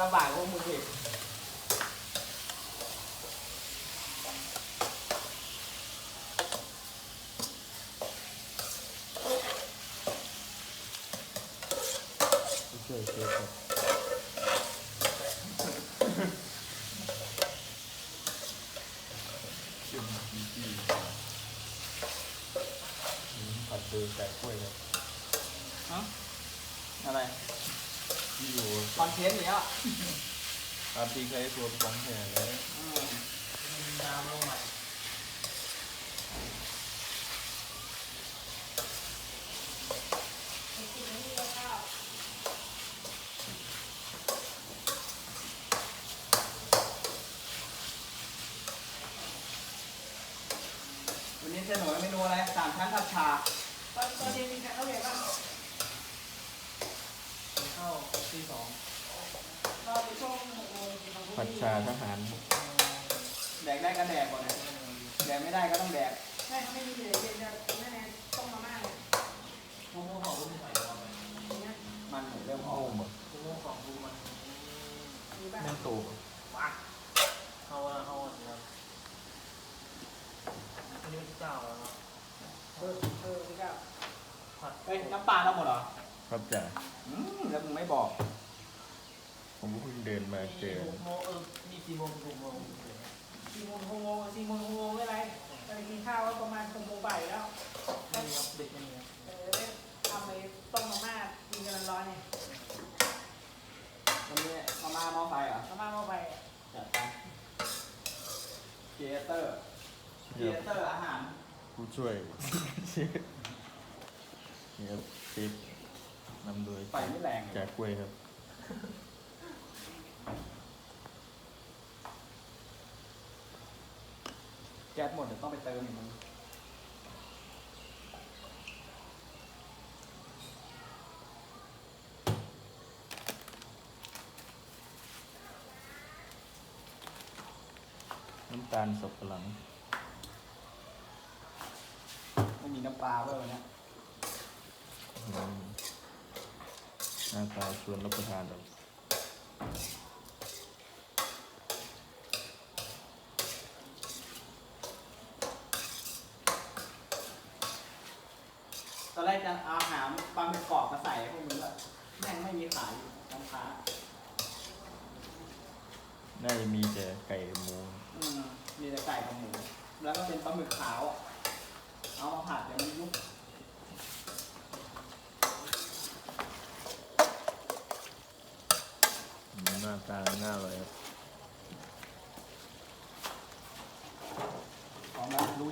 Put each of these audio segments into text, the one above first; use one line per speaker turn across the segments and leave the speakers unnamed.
ำบากพวกมึงอีก
ช่วยเชฟครับจุ่มจีจีผัดเบอร์ไก่กล้วยครับ
อะไร
ที่อยู่
คอนเทนต์เนี้ย
ตามที่ใช้ตัวของแห่แล้ว
ดาวลงใหม่วันนี้เสนอเมนูอะไร3 ชั้นผัดชาตอนเย็นมีใครเข้าเรียนบ้างเข้าที่2เราไปช่วง
ผัดชาทหาร
แดกได้ก็แดกก่อนนะแดกไม่ได้ก็ต้องแดก
ใช่เขาไม่มีเลยเย็นจะแน่ๆต้มมาม่าเลย
โมโม่ของรุ่นใหม่มันเหมือนเริ่มออก
โอ้หมด
โมโม่ของรุ่นมัน
มีบ้าง
แม่งโต
ปักเข้าครับอันนี้ที่เจ้าแล้วครับ
นี่ก็
ผัดเฮ้ยน้ำปลาเราหมดเหรอ
ครับจ่า
แล้วมึงไม่บอก
ผมก็เพิ่งเดินมาเจอ
โมมี4 โมง6 โมง
4 โมง6 โมง4 โมง6 โมงไม่ไรไปกินข้าวประมาณ6 โมงบ่ายแล้ว
ไม่มีครับเด็กไม่มีครับ
ทำไปต้มมาม่ากินกันร้อนๆเนี่ย
วันนี้มาม่าหม้อไฟเหรอ
มาม่าเข้าไป
จัดไปเกเตอร์อาหาร
ผู้ช่วยเชฟนี่ครับเชฟนำโดย
ไฟไม่แรง
จ่ากล้วยครับ
แก๊สหมดเดี๋ยวต้องไปเติมอีกมึง
น้ำตาลสับปะหลัง
ไม่มีน้ำปลาด้วยวันนี้
หน้าตาชวนรับประทานแบบ
ตอนแรกจะเอาหามปลาหมึกกรอบมาใส่พวกมึงอะแม่งไม่มีขายอยู่ร้านค้า
น่าจะมีแต่ไก่หมู
มีแต่ไก่กับหมู แล้วก็เป็นปลาหมึกขาวอะเอามาผัดเดี๋ยวมันยุบ
หน้าตาหน้าเลยครับ
พร้อมแล้วลุย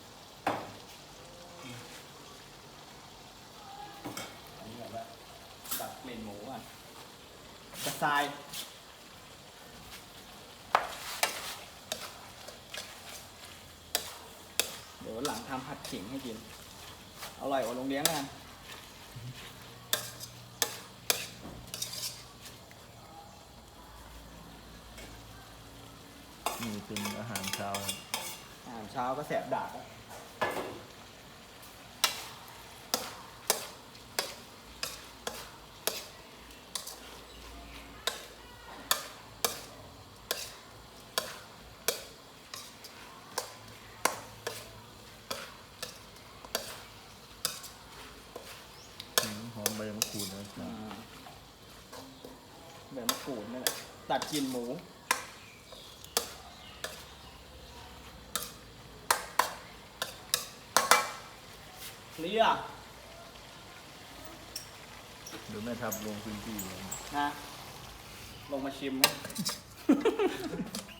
อันนี้แบบว่าดับกลิ่นหมูอ่ะกระชายเดี๋ยวหลังทำผัดขิงให้กิน อร่อยกว่าโรงเลี้ยงกัน
นี่เป็นอาหารเช้าครับ
อาหารเช้าก็แสบดากอะ
หอมใบมะกรูดนะครับ
แบบมะกรูดนี่แหละตัดกลิ่นหมูเคลียร์
เดี๋ยวแม่ทับลงพื้นที่
นะลงมาชิมนะ